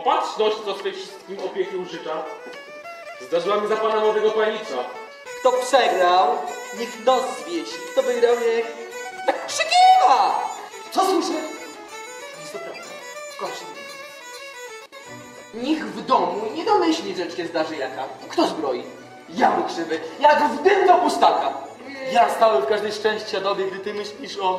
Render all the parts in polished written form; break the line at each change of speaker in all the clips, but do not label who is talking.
opatrzność, co swej wszystkim opieki użycza, zdarzyła mi za pana młodego panicza.
Kto przegrał, niech nos zwiesi. Kto wygrał, niech tak krzykiwa! Co słyszę? Jest to prawda. Kocham. Nikt w domu nie domyśli, że się zdarzy jaka. Kto zbroi? Ja mu krzywy, jak w dym do pustaka. Ja stałem w każdej szczęścia dobie, gdy ty myślisz o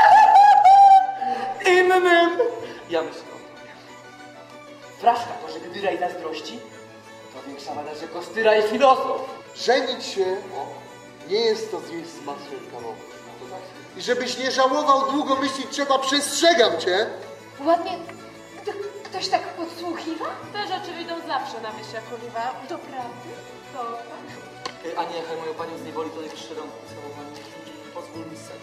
innym. Ja myślę o tobie. Fraszka to, że gdy raj zazdrości, to większa wada, że kostyra i filozof.
Żenić się nie jest to zjeść z masłem kamowym. I żebyś nie żałował, długo myśleć trzeba, przestrzegam cię.
Ładnie. Ktoś tak podsłuchiwa?
Te rzeczy wyjdą zawsze na wieś jak oliwa. Doprawdy? To tak?
A nie, niechaj moją panią zniewoli to najwyższy rąk całowanie. Pozwól mi stać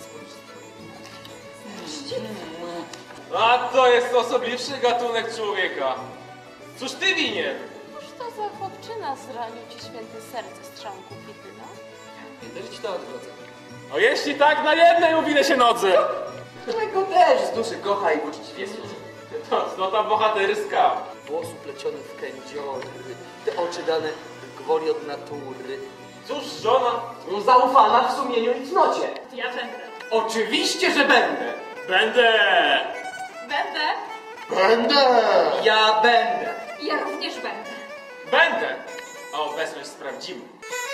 A to jest osobliwszy gatunek człowieka. Cóż ty winien?
Cóż to za chłopczyna zranił ci święte serce strzałką Pityna?
Nie też ci to odwrócę.
O jeśli tak, na jednej uwinę się nodze.
Którego też z duszy kocha i uczciwie służy.
To cnota bohaterska.
Włosy plecione w kędziory, te oczy dane gwoli od natury.
Cóż żona?
Zaufana w sumieniu i cnocie.
Ja będę.
Oczywiście, że będę.
Będę.
Będę?
Będę!
Ja będę.
Ja również będę.
Będę. A obecność sprawdzimy.